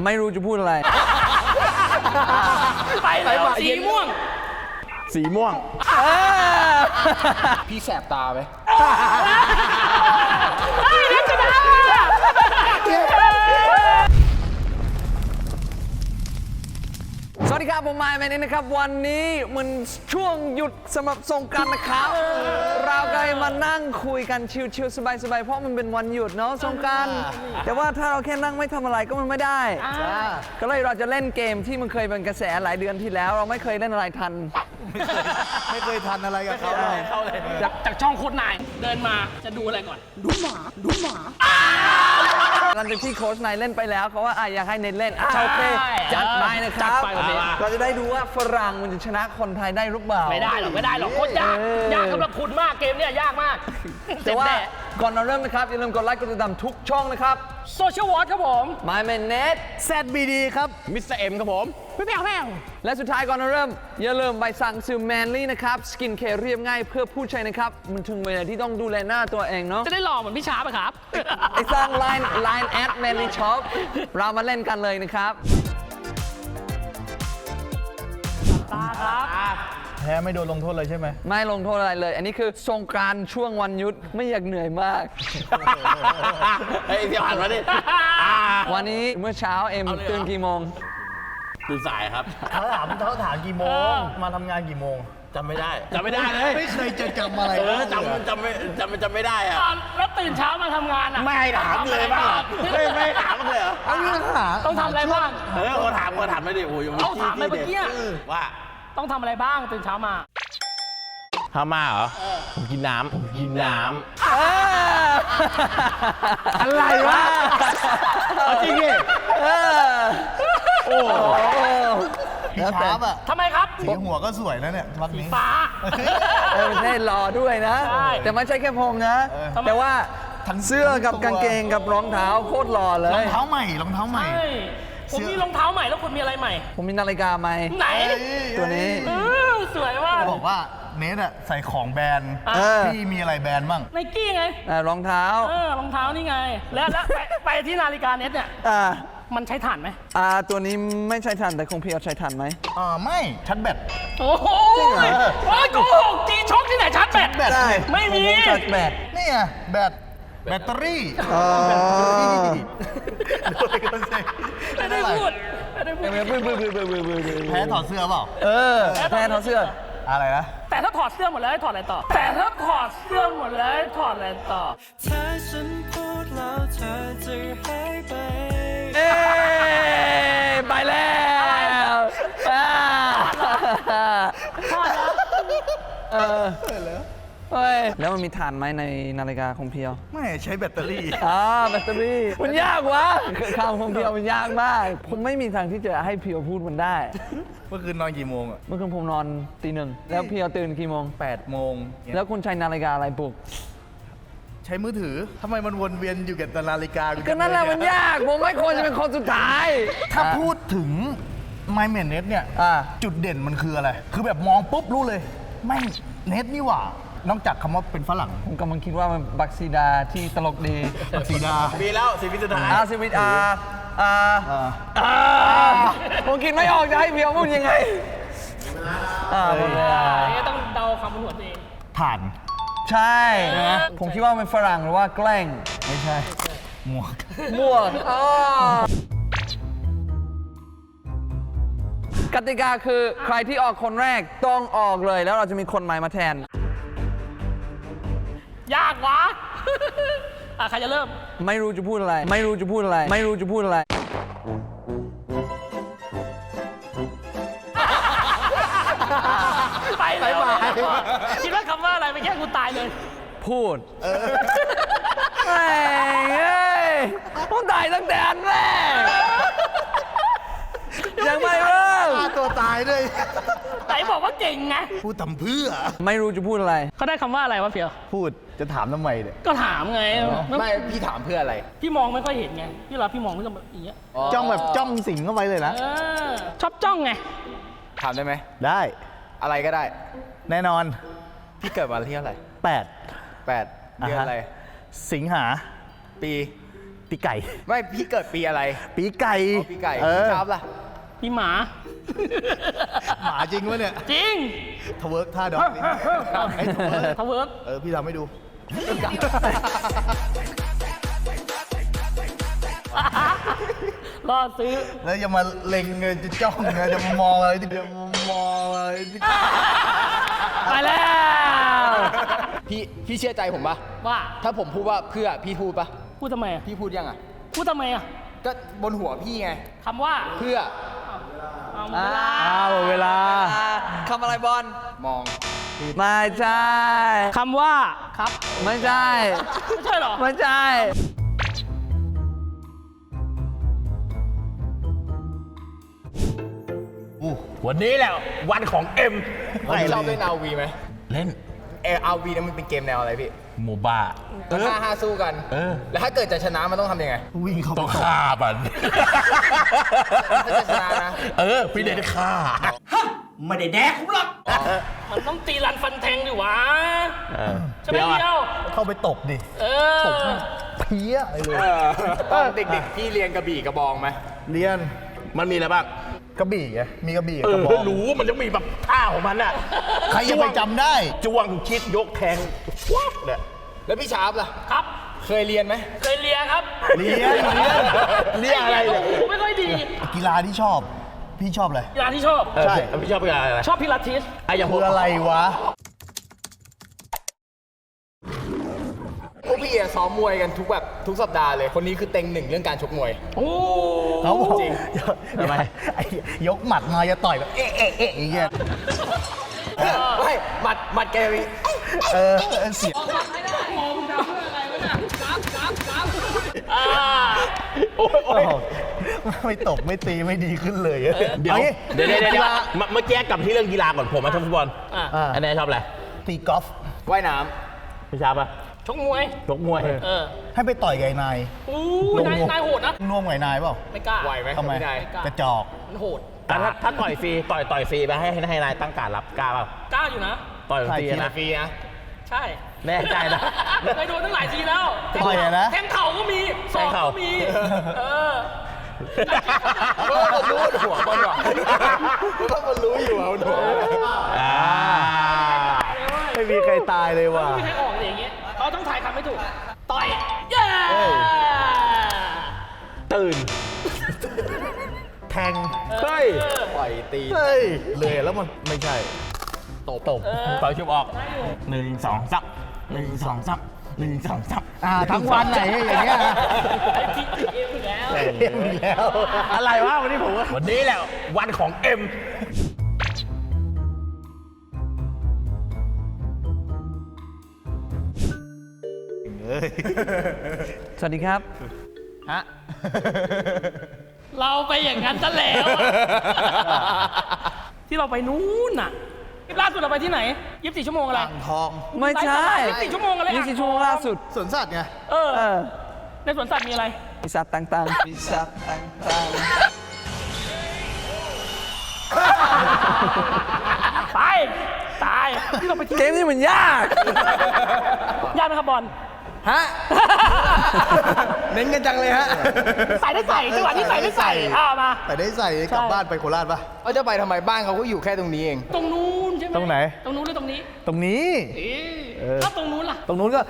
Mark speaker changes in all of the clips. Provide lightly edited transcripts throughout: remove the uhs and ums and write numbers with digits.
Speaker 1: ไม่รู้จะพูดอะไร
Speaker 2: ไปแล้วสีม่วง
Speaker 3: สีม่วง
Speaker 4: พี่แสบตาไหม
Speaker 2: นักชนะ
Speaker 1: สวัสดีครับผมไมค์แมนนี่นะครับวันนี้มันช่วงหยุดสำหรับสงกรานต์นะครับเราก็เลยมานั่งคุยกันชิลๆสบายๆเพราะมันเป็นวันหยุดเนาะสงกรานต์แต่ว่าถ้าเราแค่นั่งไม่ทำอะไรก็มันไม่ได้ก็เลยเราจะเล่นเกมที่มันเคยเป็นกระแสหลายเดือนที่แล้ว เราไม่เคยเล่นอะไรทัน
Speaker 3: ไม่เคยทันอะไรกับเขา
Speaker 2: เข้าเลยจากช่องโคตรนายเดินมาจะดูอะไรก่อนดูหมา
Speaker 1: หลังจากที่โค้ชนายเล่นไปแล้วเขาว่าอยากให้เน้นเล่นโอเคจัดไปนะครับเราจะได้ดูว่าฝรั่งมันจะชนะคนไทยได้หรือเปล่า
Speaker 2: ไม่ได้หรอกโคตรยากสำหรับคุณมากเกมเนี่ยยากมาก
Speaker 1: แต่ว่าก่อนเราเริ่มนะครับอย่าลืมกดไลค์กดติดตามทุกช่องนะครับ
Speaker 2: โซเชียลวอทครับผม
Speaker 1: My Man Net
Speaker 3: ZBD ครับมิสเตอร์เอ็มครับผม
Speaker 2: พี่แมว
Speaker 1: และสุดท้ายก่อนเราเริ่มอย่าลืมไปสั่งซื้อ Manly นะครับสกินแคร์เรียบง่ายเพื่อผู้ใช้นะครับมันถึงเวลาที่ต้องดูแลหน้าตัวเองเนาะ
Speaker 2: จะได้หล่อเหมือนพี่ช้าไหมครับ
Speaker 1: ไอสร้าง Line at Manly Shop เรามาเล่นกันเลยนะครับ
Speaker 2: ตาครับ
Speaker 3: แพ้ไม่โดนลงโทษเลยใช่ไหม
Speaker 1: ไม่ลงโทษอะไรเลย อันนี้คือสงกรานต์ช่วงวันหยุดไม่อยากเหนื่อยมาก
Speaker 4: เฮ้ยพี่ผ่านมาดิ
Speaker 1: วันนี้เมื่อเช้าเอ็มตื่นกี่โมง
Speaker 4: ตื่นสายครับ
Speaker 3: เขาถามกี่โมง มาทำงานกี่โมง
Speaker 4: จำไม่ได้เลย
Speaker 3: ไม่เคยจะจำอะไร
Speaker 4: จำไม่ได้อะ
Speaker 2: แล้วตื่นเช้ามาทำงานอ่ะ
Speaker 4: ไม่ถามเลยบ้างไม่ถามเลยเหรอ
Speaker 3: เอาเรื่องหา
Speaker 2: ต้องทำอะไรบ้าง
Speaker 4: เขาถามไม่ได้โอ้ย
Speaker 2: เอาถามไปเมื่อกี้
Speaker 4: ว่า
Speaker 2: ต้องทำอะไรบ้างตื่นเช้ามา
Speaker 4: ทำมาเหรอผมกินน้ำ
Speaker 1: อะไรวะ
Speaker 4: จริงดิ
Speaker 1: โอ้โห
Speaker 3: พี่ชาร์ปอ่ะ
Speaker 2: ทำไมครับ
Speaker 3: สีหัวก็สวยนะเนี่ยวักนี้
Speaker 2: ฟ้า
Speaker 1: เท่หล่อด้วยนะ
Speaker 2: ใช่
Speaker 1: แต่ไม่ใช่แค่ผมนะ แต่ว่าเสื้อกับกางเกงกับรองเท้าโคตรหล่อเล
Speaker 3: รอย งเท้าใหม่รองเท้าใหม่
Speaker 2: ใช่ผมมีรองเท้าใหม่แล้วคุณมีอะไรใหม่
Speaker 1: ผมมีนาฬิกาไหม
Speaker 2: ไหน
Speaker 1: ตัวนี้
Speaker 2: สวยมาก
Speaker 3: บอกว่าเนทอะใส่ของแบรนด์
Speaker 1: เออ
Speaker 3: พี่มีอะไรแบรนด์บ้าง
Speaker 2: ไนกี้ไง
Speaker 1: รองเท้า
Speaker 2: รองเท้านี่ไง แล้วไปที่นาฬิกาเน็ตเนี่ย
Speaker 1: อ่า
Speaker 2: มันใช้ถ่านไหม
Speaker 1: ตัวนี้ไม่ใช่ทันแต่คงพี่เอาใช้ทันไหม
Speaker 3: ไม่ชัดแบต
Speaker 2: โอ้โห
Speaker 1: จริงเหรอ
Speaker 2: โอ้ยโกหกจีช็อคที่ไหนชาร์จแบต
Speaker 1: ได้
Speaker 2: ไม่มี
Speaker 1: ผชาร์จแบต
Speaker 3: นี่ไงแบตเตอรี่
Speaker 2: ไม่ได้พูดไม่ได้พูด
Speaker 3: แพ้ถอดเสื้อเปล่า
Speaker 1: แพ้ถอดเสื้อ
Speaker 3: อะไรนะ
Speaker 2: แต่ถ้าถอดเสื้อหมดแล้วให้ถอดอะไรต่อ แต่ถ้าถอดเสื้อหมดแล้วให้ถอดอะไรต่อ
Speaker 5: ถ้าฉันพูดแล้วเธอจะหายไป
Speaker 1: ไปแล้วเฮ้ยแล้วมันมีฐานไหมในนาฬิกาของเพียว
Speaker 3: ไม่ใช้แบตเตอรี่
Speaker 1: แบตเตอรี่มันยากวะข้าวของเพียวมันยากมาก ผมไม่มีทางที่จะให้เพียวพูดมันได้
Speaker 3: เมื่อคืนนอนกี่โมงอ่ะ
Speaker 1: เมื่อคืนผมนอนตี 1แล้วเพียวตื่นกี่โมง
Speaker 3: 8 โมง
Speaker 1: แล้วคุณใช้นาฬิกาอะไรปลุก
Speaker 3: ใช้มือถือทำไมมันวนเวียนอยู่กับนาฬิกา
Speaker 1: ก็นั่นแหละมันยาก ผมไม่ควรจะเป็นคนสุดท้าย
Speaker 3: ถ้าพูดถึง My Man Net เนี่ย จุดเด่นมันคืออะไร คือแบบมองปุ๊บรู้เลย ไม่เน็ตนี่หว่า นอกจากคำว่าเป็นฝรั่ง
Speaker 1: ผมกำลังคิดว่ามันบักซีดาที่ตลกดี
Speaker 3: บักซีดา
Speaker 4: ปีแล้ว4 ปีสุดท้าย
Speaker 1: ซีวิตผมคิดไม่ออกจะให้เพียวพูดยังไงหมดเวลา
Speaker 2: อันนี้ต้องเดาคำบนหัวตัวเอง
Speaker 3: ผ่าน
Speaker 1: ใช่ ผมคิดว่ามันฝรั่งหรือว่าแกล้ง
Speaker 3: ไม่ใช่ หมวก
Speaker 1: มั่วกติกาคือใครที่ออกคนแรกต้องออกเลยแล้วเราจะมีคนใหม่มาแทน
Speaker 2: ยากวะ ใครจะเริ่ม
Speaker 1: ไม่รู้จะพูดอะไร ไม่รู้จะพูดอะไร ไม่รู้จะพูดอะไร
Speaker 2: ไปแล้วคิดว่าคำว่าอะไรไปแค่กูตายเลย
Speaker 1: พูดแม่งเอ้ยผมตายตั้งแต่อันแรกยังไม่เริ่ม
Speaker 3: ฆ่าตัวตายด้วย
Speaker 2: ไหนบอกว่าเก่งไง
Speaker 3: พูดทำเพื่อ
Speaker 1: ไม่รู้จะพูดอะไร
Speaker 2: เขาได้คำว่าอะไรวะเพียว
Speaker 3: พูดจะถามทำไมเนี่ย
Speaker 2: ก็ถามไง
Speaker 4: ไม่พี่ถามเพื่ออะไร
Speaker 2: พี่มองไม่ค่อยเห็นไง พี่เราพี่มองไม่ก็แบบอย่างเงี้ย
Speaker 3: จ้องแบบจ้องสิงเข้าไปเลยนะ
Speaker 2: ชอบจ้องไง
Speaker 4: ถามได้ไหม
Speaker 3: ได้
Speaker 4: อะไรก็ได้
Speaker 3: แน่นอน
Speaker 4: พี่เกิดวันที่เท่าไหร่
Speaker 3: 8
Speaker 4: 8 เดือนอะไร
Speaker 3: สิงหา
Speaker 4: ปีปีไก่
Speaker 6: ไม่พี่เกิดปีอะไร
Speaker 3: ปีไก่
Speaker 6: ปีไก่
Speaker 3: เอ
Speaker 6: พี่
Speaker 3: อ
Speaker 6: ชอบล่ะ
Speaker 2: พี่หมา
Speaker 3: หมาจริงวะเนี่ย
Speaker 2: จริง
Speaker 3: ทเวิร์กท่าดอกนี่ให้ทเวิร์ก
Speaker 2: ทเวิร์ก
Speaker 3: พี่ทำให้ดู
Speaker 2: รอซื้อ
Speaker 3: แล้วอย่ามาเล็งเงินจะจ้องเงินจะมามองอะไรที่จะมามองอะไรที่
Speaker 2: ไปแล้ว
Speaker 6: พี่เชื่อใจผมปะ
Speaker 2: ว่า
Speaker 6: ถ้าผมพูดว่าเพื่อพี่พูดปะ
Speaker 2: พูดทำไมอ่ะ
Speaker 6: พี่พูดยังอ่ะ
Speaker 2: พูดทำไมอ่ะ
Speaker 6: ก็บนหัวพี่ไง
Speaker 2: คำว่า
Speaker 6: เพื่อ
Speaker 2: เอาเวลา
Speaker 1: หมดเวลาคำอะไรบอล
Speaker 6: มอง
Speaker 1: ไม่ใช่
Speaker 2: คำว่าครับ
Speaker 1: ไม่ใช่
Speaker 2: ไม่ใช่เหรอ
Speaker 1: ไม่ใช่
Speaker 4: วันนี้แหละวันของเอ็ม
Speaker 6: พี่ชอบเล่น RV ไหม
Speaker 4: เล่น
Speaker 6: RV เนี่ยมันเป็นเกมแนวอะไรพี่
Speaker 4: โมบ้า
Speaker 6: ก็5-5สู้กัน แล้วถ้าเกิดจะชนะมันต้องทำยังไง
Speaker 3: วิ่งเข้าไป
Speaker 4: ต้อง
Speaker 3: ตบ
Speaker 4: ฆ่ามัน
Speaker 6: ถ้าจะชนะนะ
Speaker 4: พี่เดนฆ่า
Speaker 2: มันต้องตีรันฟันแทงดิวะใช่ไหม
Speaker 4: เดี๋ยวอะ
Speaker 2: เดียว
Speaker 3: เข้าไปตบดิ
Speaker 2: เออ
Speaker 3: เพี้ยไปเลย
Speaker 6: ตอนเด็กๆพี่เรียนกระบี่กระบองไหม
Speaker 3: เรียน
Speaker 4: มันมีอะไรบ้าง
Speaker 3: กระบี่ไงมีกระบี่กับกระบอง
Speaker 4: รู้มันจะมีแบบท่าของมันอ่ะ
Speaker 3: ใครจะไปจำได้
Speaker 4: จ้วงชิดยกแทงวับเนี่ย
Speaker 6: แล้วพี่ชาร์ปล่ะ
Speaker 2: ครับ
Speaker 6: เคยเรียนไหม
Speaker 2: เคยเลียครับ
Speaker 3: เรียน
Speaker 4: เรียกอะไรเนี่ย
Speaker 2: ผมไม่ค่อยดี
Speaker 3: กีฬาที่ชอบ พี่ชอบอะไร
Speaker 2: กีฬาที่ชอบ
Speaker 3: ใช่
Speaker 4: พี่ชอบเป็นอะไร
Speaker 2: ชอบพิลาทิส
Speaker 4: อย่างผ
Speaker 3: คื
Speaker 4: ม
Speaker 3: ออะไรวะ
Speaker 6: พวกพี่อะซ้อมมวยกันทุกสัปดาห์เลย คนนี้คือเต็งหนึ่งเรื่องการชกมวย
Speaker 2: โอ้
Speaker 3: เขาบอก
Speaker 6: จริง
Speaker 4: ทำไม
Speaker 3: ไอ้ยกหมัดมาจะต่อยแบบเอ๊ะอย่างเงี้ย
Speaker 6: ไม่หมัดแกมี
Speaker 3: เสียง
Speaker 2: อ่า
Speaker 4: โอ้ย
Speaker 3: ไม่ตบไม่ตีไม่ดีขึ้นเลย
Speaker 4: เดี๋ยว
Speaker 3: อางี้
Speaker 4: เดี๋ยวเมื่อกี้กลับที่เรื่องกีฬาก่อนผมมาชอบฟุตบอล
Speaker 2: อ่ะ
Speaker 4: อันนี้ชอบอะไร
Speaker 3: ตีกอล์ฟ
Speaker 6: ว่ายน้
Speaker 4: พี่ชอบปะ
Speaker 2: ชกมวย
Speaker 4: ชกมวย
Speaker 2: เออ
Speaker 3: ให้ไปต่อยกับไอ้นาย
Speaker 2: อู้นายโหดนะ
Speaker 3: น่วมกับไอ้นายเปล่า
Speaker 2: ไม่กล้า
Speaker 6: ำไหวไหม
Speaker 3: ทำไม
Speaker 6: พี่นาย
Speaker 3: กระจอก
Speaker 2: มันโหด
Speaker 4: แต่ถ้าต่อยฟรีต่อยฟรีไปให้นายตั้งการรับกล้าเปล่าก
Speaker 2: ล้าอยู่นะ
Speaker 4: ต่อยฟรี
Speaker 3: ใช่
Speaker 4: นะ
Speaker 6: ฟรีนะ
Speaker 2: ใช่
Speaker 4: แน่ใจนะ
Speaker 2: เคยโดนตั้งหลายทีแล้ว
Speaker 3: ต่อยอะนะ
Speaker 2: แทงเข่าก็มีศอก
Speaker 4: แทงเข่า
Speaker 2: ก็มี เออ
Speaker 6: เพราะว่ามันรู้หัวมันว่ะเพราะมันรู้อยู่ว่ามันหัว
Speaker 3: ไม่มีใครตายเลยว่ะ
Speaker 2: ไม่มีใครออกเลยอย่างเงี้ยเขาต้องถ่ายคำไม่ถูก ต่อย เย้
Speaker 4: ตื่น
Speaker 3: แทง
Speaker 4: เฮ้ย
Speaker 6: ปล่อยตี
Speaker 3: เฮ้ยเลยแล้วมันไม่ใช่ ตบ
Speaker 4: ปล่อยชุบออก1 2 3 1 2 3 1 2 3
Speaker 3: ทั้งวันไหนอย่างเงี้ยนะ
Speaker 2: ไอ้พี่เอ็มอีกแล้ว
Speaker 3: เรียบอีกแล้ว
Speaker 4: อะไรวะวันนี้ผมวันนี้แหละวันของเอ็ม
Speaker 1: สวัสดีครับ
Speaker 6: ฮะ
Speaker 2: เราไปอย่างนั้นซะแล้วอะที่เราไปนู้นน่ะล่าสุดเราไปที่ไหน24 ชั่วโมงอะไร
Speaker 3: อ่างทอง
Speaker 1: ไม่ใช่
Speaker 2: 24 ชั่วโมงอะไร
Speaker 1: 24 ชั่วโมงล่าสุด
Speaker 3: สวนสัตว์ไง
Speaker 2: เออ
Speaker 1: เออ
Speaker 2: ในสวนสัตว์มีอะไร
Speaker 1: มีสัตว์ต่างๆมีสัตว์ต่าง
Speaker 2: ไปตายที่เราไปที่
Speaker 1: ๆ เกมนี้มันยาก
Speaker 2: ยากไหมครับบอล
Speaker 6: ฮะ เน้นกันจังเลยฮะ
Speaker 2: ใส่ได้ใส่จังหวะที่ใส่ได้ใส่มา
Speaker 3: แต่ได้ใส่กลับบ้านไปโคราชปะ
Speaker 6: เขาจะไปทำไมบ้านเขาก็อยู่แค่ตรงนี้เอง
Speaker 2: ตรงนู้นใช่ไหม
Speaker 3: ตรงไหน
Speaker 2: ตรงนู้นหรือตรงนี้
Speaker 3: ตรงนี้
Speaker 2: ถ้าตรงนู้นล่ะ
Speaker 3: ตรงนู้นก็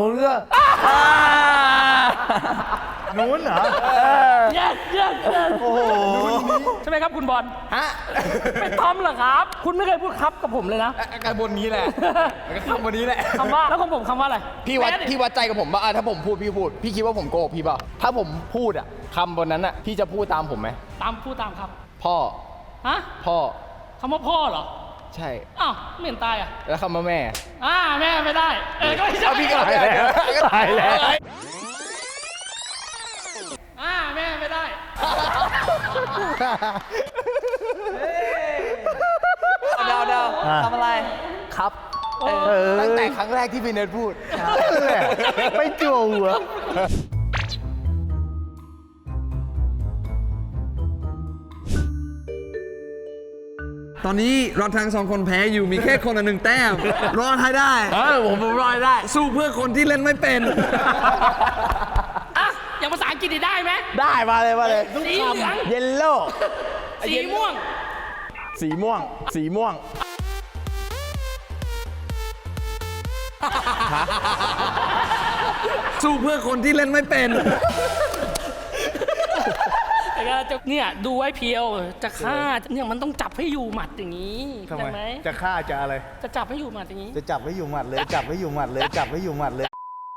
Speaker 3: นู้นเหรอ
Speaker 2: yes yes yes
Speaker 3: โอ้โห
Speaker 2: ใช่ไหมครับคุณบอล
Speaker 6: ฮะ
Speaker 2: เป็นทอมเหรอครับ คุณไม่เคยพูดครับกับผมเลยนะ
Speaker 6: การบนนี้แหละก็คำบนนี้แหละ
Speaker 2: คำว่าแล้วของผมคำว่าอะไร
Speaker 6: พี่วัดใจกับผมว่าถ้าผมพูดพี่พูด พี่คิดว่าผมโกหกพี่เปล่าถ้าผมพูดอะคำบนนั้นอะพี่จะพูดตามผมไหม
Speaker 2: พูดตามครับ
Speaker 6: พ่อ
Speaker 2: ฮะ
Speaker 6: พ่อ
Speaker 2: คำว่าพ่อเหรอ
Speaker 6: ใช่
Speaker 2: อ้าวไม่เห็นตายอ่ะ
Speaker 6: แล้วคำว่าแม่
Speaker 2: แม่ไม่ได้ ก็ไม่ใช่
Speaker 6: เอาพี่ก็ตายแล้ว
Speaker 3: ตายแล้ว
Speaker 2: แม่ไม่ได้
Speaker 1: เดาทำอะไร
Speaker 6: ครับ ตั้งแต่ครั้งแรกที่พี่เนทพูด
Speaker 3: นั่นแหละไม่จั่วหัว
Speaker 1: ตอนนี้เราทั้งสองคนแพ้อยู่มีแค่คนละ1 แต้ม รอดให้ได้
Speaker 4: ผมรอยได้
Speaker 1: สู้เพื่อคนที่เล่นไม่เป็น
Speaker 2: อย่างภาษาอังกินได้ไหม
Speaker 4: ได้มาเลยมาเลย
Speaker 2: สีเหลือง
Speaker 4: เยลโล่
Speaker 2: สีม่วง
Speaker 4: สีม่วง สีม่วง
Speaker 1: สู้เพื่อคนที่เล่นไม่เป็น
Speaker 2: แต่ก็จะเนี่ยดูไว้เพียวจะฆ่าเนี่ยมันต้องจับให้อยู่หมัดอย่างนี้
Speaker 3: ทำไม
Speaker 2: ใช่ไหม
Speaker 3: จะฆ่าจะอะไร
Speaker 2: จะจับให้อยู่หมัดอย่างนี้
Speaker 3: จะจับไว้อยู่หมัดเลย จับไว้อยู่หมัดเลย จับไว้อยู่หมัดเลย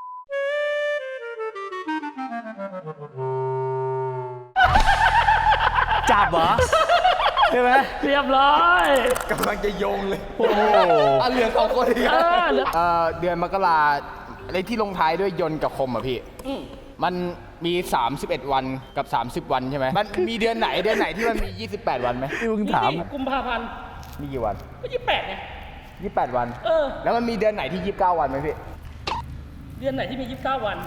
Speaker 4: จับเหรอ ใช่ไหม
Speaker 2: เรียบร้อย
Speaker 6: กำลังจะโยงเลย
Speaker 4: โอ้โห
Speaker 6: อ่ะเหลือสองคนอีก
Speaker 2: เออเหลือ
Speaker 6: เดือนมกราอะไรที่ลงท้ายด้วยยนต์กับคมอ่ะพี่
Speaker 2: อืม
Speaker 6: มันมี 31 วันกับ 30 วันใช่ไหมมันมีเดือนไหนที่มันมี 28 วันไหม
Speaker 4: ที่มึงถาม
Speaker 2: นี่กุมภาพันธ์
Speaker 6: มีกี่วัน
Speaker 2: ก็28ไง
Speaker 6: 28 วัน
Speaker 2: เออ
Speaker 6: แล้วมันมีเดือนไหนที่ 29 วันไหมพี่
Speaker 2: เดือนไหนที่มี 29 วัน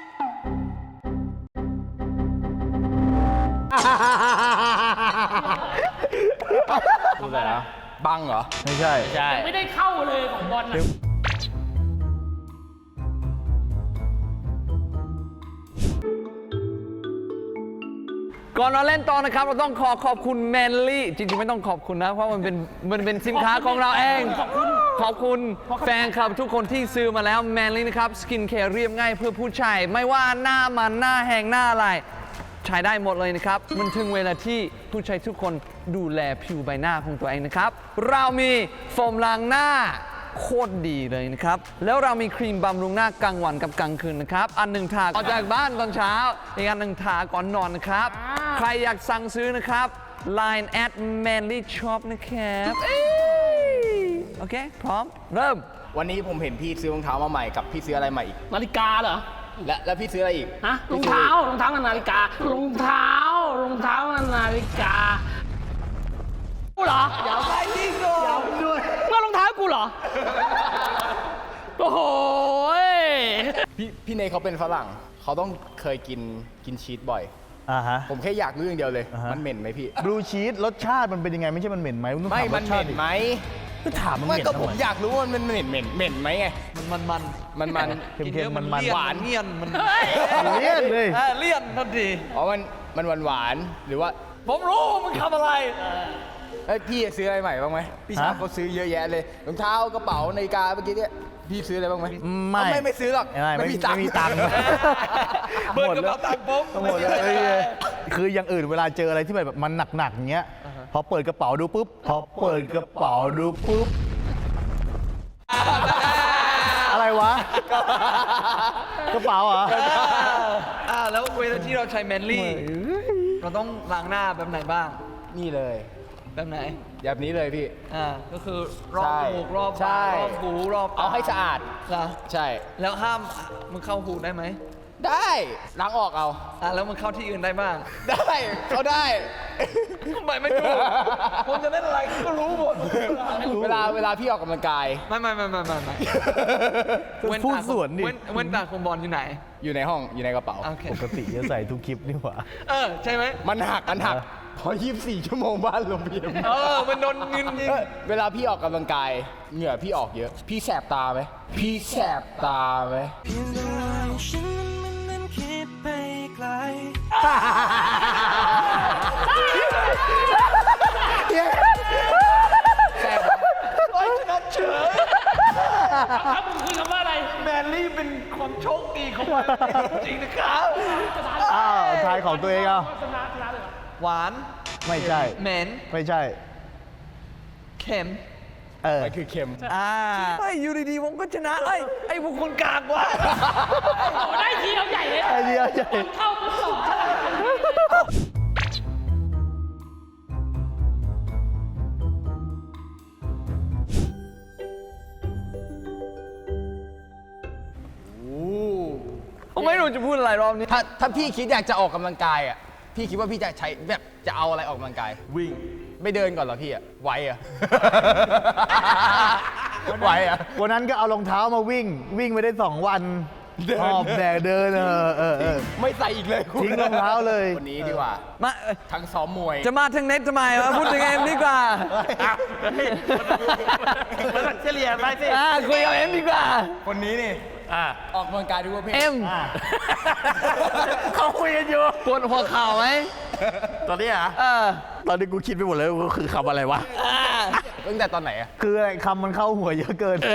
Speaker 6: พูดอะไรนะบังเหรอ
Speaker 3: ไม่ใช่
Speaker 4: ใช่
Speaker 2: ยังไม่ได้เข้าเลยของบอลนะ
Speaker 1: ก่อนเราเล่นต่อนะครับ เราต้องขอบคุณแมนลี่จริงๆไม่ต้องขอบคุณนะ เพราะมันเป็นสินค้าของเราเอง ขอบคุณแฟนคลับทุกคนที่ซื้อมาแล้วแมนลี่นะครับสกินแคร์เรียบง่ายเพื่อผู้ชายไม่ว่าหน้ามันหน้าแห้งหน้าอะไร ใช้ได้หมดเลยนะครับ มันถึงเวลาที่ผู้ชายทุกคนดูแลผิวใบหน้าของตัวเองนะครับ เรามีโฟมล้างหน้าโคตรดีเลยนะครับ แล้วเรามีครีมบำรุงหน้ากลางวันกับกลางคืนนะครับ อันหนึ่งทาออกจากบ้านตอนเช้า อีกอันหนึ่งทาก่อนนอนนะครับ ใครอยากสั่งซื้อนะครับ Line @manly shop นะครับเอ้ยโอเค พร้อม เริ่ม
Speaker 6: วันนี้ผมเห็นพี่ซื้อรองเท้ามาใหม่กับพี่ซื้ออะไรใหม่อีก
Speaker 2: นาฬิกาเหรอ
Speaker 6: แล้วพี่ซื้ออะไรอีก
Speaker 2: ฮะ รองเท้ารองเท้ากับนาฬิการองเท้กับนาฬิกากูเหรอเดี๋ยวไปที่ก่อนเมื่อรองเท้ากูเหรอ โอ้โหย
Speaker 6: พี่เนยเขาเป็นฝรั่ง เขาต้องเคยกินชีสบ่อย
Speaker 3: อ่าฮะ
Speaker 6: ผมแค่อยากรู้อย่างเดียวเลย
Speaker 3: อ่าฮะ
Speaker 6: มันเหม็นไหมพี่
Speaker 3: บลูชีสรสชาติมันเป็นยังไง ไม่ใช่มันเหม็นไหมต้อง
Speaker 6: ไม่
Speaker 3: ถา
Speaker 6: มัน
Speaker 3: รส
Speaker 6: เห
Speaker 3: ชา
Speaker 6: ม็
Speaker 3: ติ
Speaker 6: น
Speaker 3: ดิ
Speaker 6: ไหม
Speaker 3: ก็ถามมันเห
Speaker 6: ไม่
Speaker 3: ม็น
Speaker 6: ก็
Speaker 3: ทำ
Speaker 6: ผม
Speaker 3: ไม
Speaker 6: อยากรู้ว่ามันเหม็นไหมไง
Speaker 1: มัน
Speaker 6: มัน
Speaker 3: เค็มๆมันๆ
Speaker 1: หวานเลี่ยนมัน
Speaker 3: เลี่ยนเลย
Speaker 1: เลี่ยนทันที
Speaker 6: อ๋อมันหวานๆหรือว่า
Speaker 1: ผมรู้ว่ามึงทำอะไร
Speaker 6: เอ้ยพี่ซื้ออะไรใหม่บ้างไหมพี่ชา
Speaker 3: ฮะ
Speaker 6: เขาซื้อเยอะแยะเลยรองเท้ากระเป๋านาฬิกาเมื่อกี้เนี่ยพี่ซื้ออะไรบ้างไหม
Speaker 3: ไม่
Speaker 6: เอาไม่ซื้อหรอก
Speaker 3: ไม่มีตังค์
Speaker 1: เบิร์ดกระเป๋าตังค์ผม
Speaker 3: หมดเลยคืออย่างอื่นเวลาเจออะไรที่แบบมันหนักๆอย่างเงี้ย พอเปิดกระเป๋าดูปุ๊บ อะไรวะ กระเป๋าเหรอ
Speaker 1: แล้วเวลาที่เราใช้แมนลี่ เราต้องล้างหน้าแบบไหนบ้าง
Speaker 6: นี่เลย
Speaker 1: แบบไหน
Speaker 6: แบบนี้เลยพี่
Speaker 1: ก็คือรอบ
Speaker 6: ใช่
Speaker 1: จมูกรอบ
Speaker 6: ใช่
Speaker 1: ปากรอบหูรอบต
Speaker 6: เอาให้สะอาด
Speaker 1: เหรอ
Speaker 6: ใช่
Speaker 1: แล้วห้ามมึงเข้าหูได้ไหม
Speaker 6: ได้ล้างออกเอา
Speaker 1: แล้วมึงเข้าที่อื่นได้บ้าง
Speaker 6: ได้เขาได้
Speaker 1: ทำไมไม่รู้ผมจะเล่นอะไรก็รู้หมด
Speaker 6: เวลาพี่ออกกำลังกาย
Speaker 1: ไม่
Speaker 3: พูดสวนดิ
Speaker 1: เว้นตาคมบอลอยู่ไหน
Speaker 6: อยู่ในห้องอยู่ในกระเป๋า
Speaker 1: โอเค
Speaker 3: ปกติจะใส่ทุกคลิปนี่หว่า
Speaker 1: ใช่ไหม
Speaker 6: มันหักพอ 24 ชั่วโมงบ้านลมเพียม
Speaker 1: มันโดนเงินยิง
Speaker 6: เวลาพี่ออกกำลังกายเหงื่อพี่ออกเยอะ พี่แสบตาไหมพี่แสบตาไหม
Speaker 5: เพียงแต่ว่าฉันนั้นคิดไปไกล
Speaker 2: ครับผมคุยคำว่าอะไร
Speaker 1: แมนลี่เป็นความโชคดีของมันจริงนะครับ
Speaker 3: อ้าวทายของตัวเองเอา
Speaker 2: ชนะเลยเหรอ
Speaker 1: หวาน
Speaker 3: ไม่ใช่
Speaker 1: เหม็น
Speaker 3: ไม่ใช่
Speaker 1: เค็ม
Speaker 6: มันคือเค็ม
Speaker 1: เฮ้ยอยู่ดีๆผมก็ชนะไอ้พวกคนกากว่ะ
Speaker 2: โอ้ได้ทีเราใหญ่เลย
Speaker 3: ไอเดียใหญ่
Speaker 2: เข้าปุ๊บต่อ
Speaker 1: ผมไม่รู้จะพูดอะไรรอบนี้
Speaker 6: ถ้าพี่คิดอยากจะออกกำลังกายอ่ะ พี่คิดว่าพี่จะใช้แบบจะเอาอะไรออกกำลังกาย วิ่ง ไม่เดินก่อนเหรอพี่อ่ะ ไหวอ่ะ ไหวอ่ะ
Speaker 3: วันนั้นก็เอารองเท้ามาวิ่งไปได้ 2 วันหอบแดกเดิน
Speaker 6: ไม่ใส่อีกเลยคุณ
Speaker 3: ทิ้งรองเท้าเลย
Speaker 6: วันนี้ดีกว่า
Speaker 1: มา
Speaker 6: ทั้งซ้อมมวย
Speaker 1: จะมาทางเน็ตทำไมวะพูดถึงเอ็มดีกว่า
Speaker 4: เฉลี่ยไปสิ
Speaker 1: คุยกับเอ็มดีกว่า
Speaker 6: คนนี้นี่ออกกำลังกายทุกประเภท
Speaker 1: เอ็ม
Speaker 4: เขาคุยกันอยู่
Speaker 1: ปวดหัวเข่าไหม
Speaker 4: ตอนนี้อ่ะ ตอนนี้กูคิดไปหมดเลยว่าคือคำอะไรวะ
Speaker 6: ตั้งแต่ตอนไหนอะ
Speaker 3: คืออะไรคำมันเข้าหัวเยอะเกิน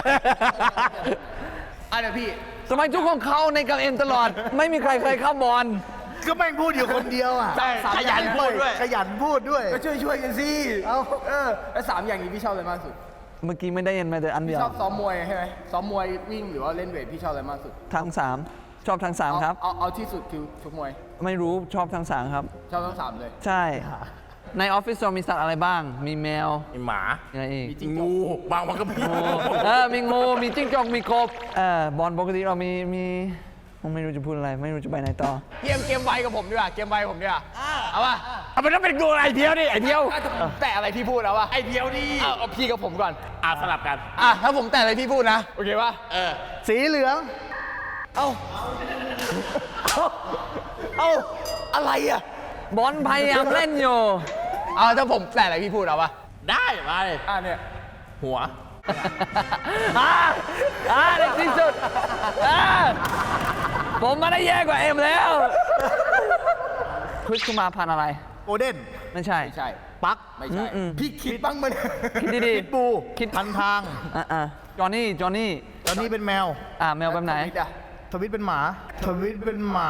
Speaker 6: เดี๋ยวพี่
Speaker 1: ทำไมทุกคนเข้าในกับเอ็มตลอด ไม่มีใครเคยเข้าบอล
Speaker 3: ก็แม่งพูดอยู่คนเดียวอ่ะ
Speaker 4: ขยันพูดด้วย
Speaker 3: ขยันพูดด้วย
Speaker 6: ก็ช่วยกันสิแล้ว3อย่างนี้พี่ชอบอะไรมากสุด
Speaker 1: เมื่อกี้ไม่ได้ยินมาแต่อันเดียว
Speaker 6: ชอบซ้อมมวยใช่ไหมซ้อมมวยวิ่งหรือว่าเล่นเวทพี่ชอบอะไรมากสุด
Speaker 1: ทั้งสามชอบทั้งสามครับ
Speaker 6: เอาที่สุดคือชกมวย
Speaker 1: ไม่รู้ชอบทั้งสามครับ
Speaker 6: ชอบทั้ง3เลย
Speaker 1: ใช่ ในออฟฟิศเรามีสัตว์อะไรบ้าง มีแมว
Speaker 4: มีหมา
Speaker 1: อะไรอีก
Speaker 6: มีจิ้งจก
Speaker 4: งูบางมันก็มี
Speaker 1: มีงู มีจิ้งจอก มีกบ บอลปกติเรามีผมไม่รู้จะพูดอะไร ไม่รู้จะไปไหนต่อ
Speaker 6: เกมไวกับผมดีกว่าเกมไวกับผมดีกว่าเอาป่ะ
Speaker 4: เอาไปต้องเป็นงูไอเดียวดิไอเดียว
Speaker 6: แต่อะไรพี่พูดแล้วป่ะ
Speaker 4: ไอเดียวดิ
Speaker 6: เอาพี่กับผมก่อน
Speaker 4: สลับกัน
Speaker 6: ถ้าผมแต่อะไรพี่พูดนะโอเคป่ะ
Speaker 3: สีเหลือง
Speaker 6: อะไรอ่ะ
Speaker 1: บอลพยายามเล่นอยู่
Speaker 6: ถ้าผมแต่อะไรพี่พูดเอาป่ะ
Speaker 4: ได้มา
Speaker 6: เนี่ย
Speaker 4: หัว
Speaker 1: ในที่สุดผมมาได้แย่กว่าเอ็มแล้วคริสคุณมาพันธุ์อะไร
Speaker 3: โกลเด้น
Speaker 1: ไม่ใช่
Speaker 6: ไม่ใช่
Speaker 3: ปัก
Speaker 6: ไม่ใช่พี่คิดบ้างมั้ย
Speaker 1: คิดดี
Speaker 3: พิทบู
Speaker 1: คิด
Speaker 3: พันทาง
Speaker 1: จอห์นนี่
Speaker 3: ตอนนี้เป็นแมว
Speaker 1: แมวแบบไหน
Speaker 3: ทวิตเป็นหมา ทวิตเป็นหมา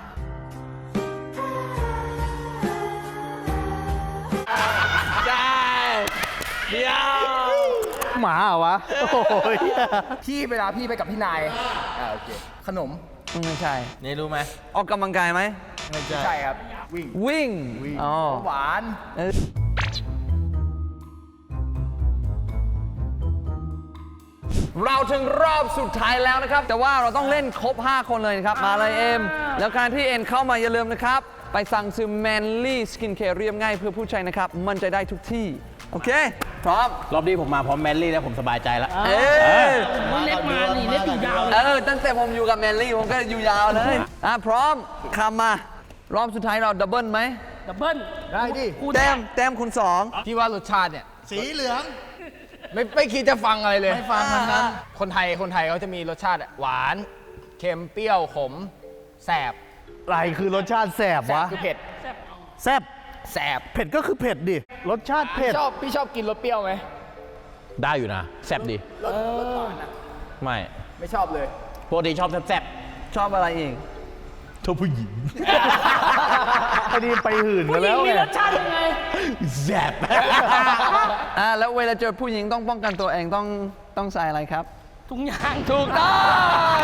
Speaker 1: ใช่เดียว
Speaker 3: หมาเหรอวะ โอ้ย
Speaker 6: พี่เวลาพี่ไปกับพี่นายโอเคขนม
Speaker 1: ไม่ใช่
Speaker 4: นี่รู้ไหม
Speaker 1: ออกกำลังกายไหม
Speaker 3: ไม่ใช่
Speaker 6: ใช่ครับวิ่ง
Speaker 1: วิ่งอ๋อ
Speaker 6: หวาน
Speaker 1: เออเราถึงรอบสุดท้ายแล้วนะครับ แต่ว่าเราต้องเล่นครบ 5 คนเลยนะครับ มาเลยเอ็ม แล้วการที่เอ็นเข้ามาอย่าลืมนะครับ ไปสั่งซื้อ Manly Skin Care เรียบง่ายเพื่อผู้ใช้นะครับ มันจะได้ทุกที่ โอเค พร้อม
Speaker 4: รอบนี้ผมมาพร้อมแมนลี่แล้วผมสบายใจแล้ว
Speaker 1: เออ
Speaker 2: มึงเน็ตมานี่เน็ตอยู่ยาวเลย
Speaker 1: ตั้งแต่ผมอยู่กับแมนลี่ผมก็อยู่ยาวเลย พร้อมคำมา รอบสุดท้ายเราดับเบิลไหม
Speaker 2: ดับเบิ้ล
Speaker 3: ได้ดิ
Speaker 2: คู่
Speaker 1: แต้
Speaker 2: แต้
Speaker 1: ม
Speaker 2: ม
Speaker 1: แต้มคุณสอง
Speaker 6: พี่ว่ารสชาติเนี่ย
Speaker 3: สีเหลือง
Speaker 6: ไม่คิดจะฟังอะไรเลย
Speaker 3: ไม่ฟังทั้งนั้น
Speaker 6: คนไทยเขาจะมีรสชาติหวานเค็มเปรี้ยวขมแสบ
Speaker 3: อะไรคือรสชาติแสบ
Speaker 6: แสบ
Speaker 3: วะ
Speaker 6: คือเผ็ด
Speaker 3: แสบ
Speaker 6: แสบ
Speaker 3: เผ็ดก็คือเผ็ดดิ รสชาติเผ็ด
Speaker 6: พี่ชอบกินรสเปรี้ยวไหม
Speaker 4: ได้อยู่นะ แซ่บดี
Speaker 6: รสหวานอะ
Speaker 4: ไม่
Speaker 6: ไม่ชอบเลย
Speaker 4: ปกติชอบแซ่บ
Speaker 1: ชอบอะไรอีก
Speaker 4: ๆชอบผู้หญิง
Speaker 3: ไอ้นี่ไปหื่น
Speaker 2: ผู้
Speaker 3: กัน
Speaker 2: หญิ
Speaker 3: แล้
Speaker 2: ง
Speaker 3: ว
Speaker 2: มี
Speaker 3: ไง
Speaker 2: รสชาติยังไง
Speaker 4: แซ่บ
Speaker 1: แล้วเวลาเจอผู้หญิงต้องป้องกันตัวเองต้องใส่อะไรครับ
Speaker 2: ถุงยาง
Speaker 1: ถูกต้อง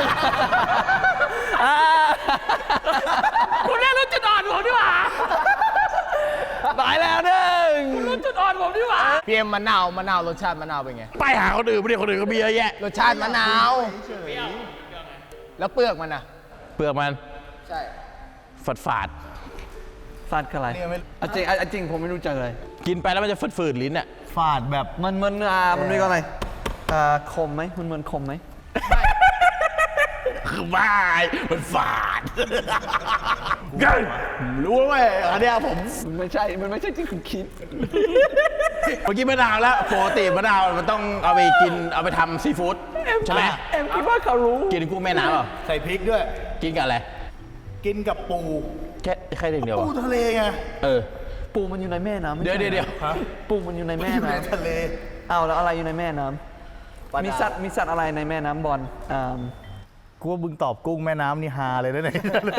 Speaker 2: คุณเล่นรู้จุดอ่อนผมดีกว่า
Speaker 1: ตายแล้วหนึ่ง
Speaker 2: รู้จุดอ่อนผมดีกว่า
Speaker 6: เปรี้ยวมะนาวรสชาติมะนาวเป็นไง
Speaker 4: ไปหาคนอื่นไม่ได้คนอื่นก็มีเยอะแยะ
Speaker 6: รสชาติมะนาว แล้วเปลือกมันอะ
Speaker 4: เปลือกมัน
Speaker 6: ใช่
Speaker 4: ฝาด
Speaker 1: ฟาดคืออะไรจริงผมไม่รู้จักเลย
Speaker 4: ๆกินไปแล้วมันจะฝืดๆลิ้นอ่ะ
Speaker 3: ฝาดแบบ
Speaker 1: มันมันเรียกว่าอะไรคมไหมมันเหมือนคมไหม
Speaker 4: คือบ้ามันฝาดรู้ไหมอันเนี้ยผม
Speaker 1: มันไม่ใช่ที่คุณคิด
Speaker 4: เมื่อกี้มะนาวแล้วปกติมะนาวมันต้องเอาไปกินเอาไปทำซีฟู้ดใช่ไหม
Speaker 1: เอ็มคิดว่าเขารู้
Speaker 4: กินกุ้งแม่น้ำเปล่า
Speaker 3: ใส่พริกด้วย
Speaker 4: กินกับอะไร
Speaker 3: กินกับปู
Speaker 4: แค่เดียว
Speaker 3: ปู
Speaker 4: อะ
Speaker 3: ทะเลไง
Speaker 1: ปูมันอยู่ในแม่น้ำไม่
Speaker 4: เดี๋ยว
Speaker 1: ใช่
Speaker 4: เดี๋ยว
Speaker 1: ปูมันอยู่ในแม่
Speaker 3: อยู่ใน
Speaker 1: น้ำ
Speaker 3: ทะเล
Speaker 1: แล้วอะไรอยู่ในแม่น้ำมีสัตว์อะไรในแม่น้ำบอล
Speaker 3: กูว่ามึงตอบกุ้งแม่น้ำนี่ฮาเลยนะเนี่ย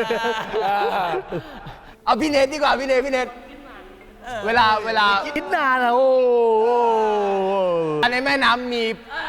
Speaker 6: เอาพี่เนทดีกว่าพี่เนทเวลา
Speaker 3: คิดนานอะโอ้โห
Speaker 6: อันในแม่น้ำมี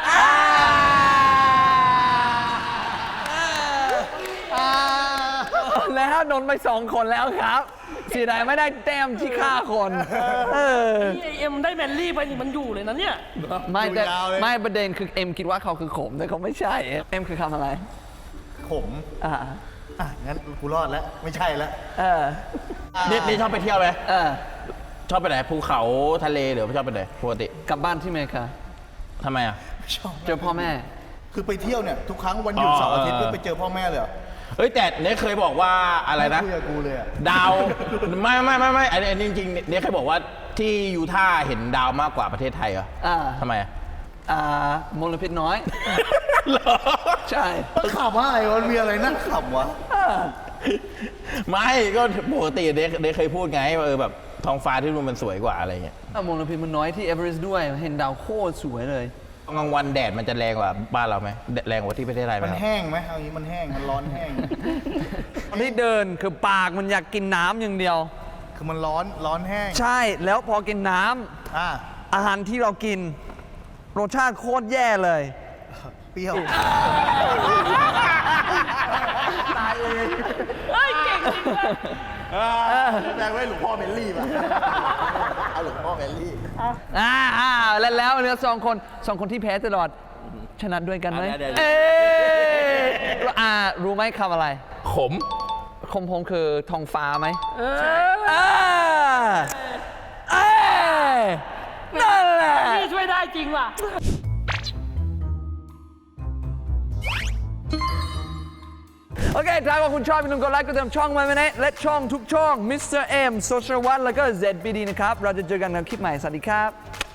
Speaker 1: แล้วโดนไป2 คนแล้วครับเสียดายไม่ได้แต้มที่ฆ่าคน
Speaker 2: นี่ไอเอ็มได้แมนลี่ไปนี่มันอยู่เลยนะเนี่ย
Speaker 1: ไม่ประเด็นคือเอ็มคิดว่าเขาคือขมแต่เขาไม่ใช่เอ็มคือคำอะไร
Speaker 3: ขม
Speaker 1: อ่า
Speaker 3: งั้นกูรอดแล้ว ไม่ใช่แล้ว
Speaker 4: นี่ชอบไปเที่ยวไหม
Speaker 1: เออ
Speaker 4: ชอบไปไหนภูเขาทะเลหรือชอบไปไหนปกติ
Speaker 1: กลับบ้านที่อเมริกา
Speaker 4: ทำไมอ่ะ
Speaker 1: เจอพ่อแม่
Speaker 3: คือไปเที่ยวเนี่ย ทุกครั้งวันหยุดเสาร์อาทิตย์ก็ไปเจอพ่อแม่เลยเหรอ
Speaker 4: เฮ้ยแต่เนี่ยเคยบอกว่าอะไรนะ
Speaker 3: ไม่คุยกับกูเลยอะ
Speaker 4: ดาวไม่อันนี้จริงๆเนี่ยเคยบอกว่าที่ยูทาห์เห็นดาวมากกว่าประเทศไทยเหรอทำไมอะ
Speaker 1: มลพิษน้อย ใช่
Speaker 3: มันขำอะไรมันมีอะไรน่าขำวะ
Speaker 4: ไม่ก็ปกติเด็กเคยพูดไงว่าแบบท้องฟ้าที่นู่นมันสวยกว่าอะไรเงี้ย
Speaker 1: มลพิษมันน้อยที่เอเวอเรสต์ด้วย เห็นดาวโคตรสวยเลย
Speaker 4: กลางวันแดดมันจะแรงกว่าบ้านเราไหมแรงกว่าที่ประเทศไทยไหม
Speaker 3: มัน
Speaker 4: ครับ
Speaker 3: แห้งไหมเอางี้มันแห้ง มันร้อนแห้ง
Speaker 1: ที่เดินคือปากมันอยากกินน้ำอย่างเดียว
Speaker 3: คือมันร้อนแห้ง
Speaker 1: ใช่ แล้วพอกินน้ำ
Speaker 3: อ่ะ
Speaker 1: อาหารที่เรากิน รสชาติโคตรแย่เลย
Speaker 3: เปรี้ยว
Speaker 2: เฮ้ย เก่งจริงเลย
Speaker 3: แปลงไว้หลวงพ่อเบลลี่ป่ะ เอาหลวงพ่อเบลลี่
Speaker 1: แล้วเนี่ยสองคนที่แพ้ตลอด ชนะด้วยกันไหม
Speaker 4: เดี๋ยว
Speaker 1: เอ๊ะรู้ไหมคำอะไร
Speaker 4: ขม
Speaker 1: คมพงคือทองฟ้าไหม นั่นแหละ
Speaker 2: นี่ช่วยได้จริงว่ะ
Speaker 1: โอเค ถ้าว่าคุณชอบอย่าลืมกดไลค์กดติดตามช่องมาไหมนะและช่องทุกช่อง Mr. M Social One แล้วก็ ZBD นะครับ เราจะเจอกันในคลิปใหม่ สวัสดีครับ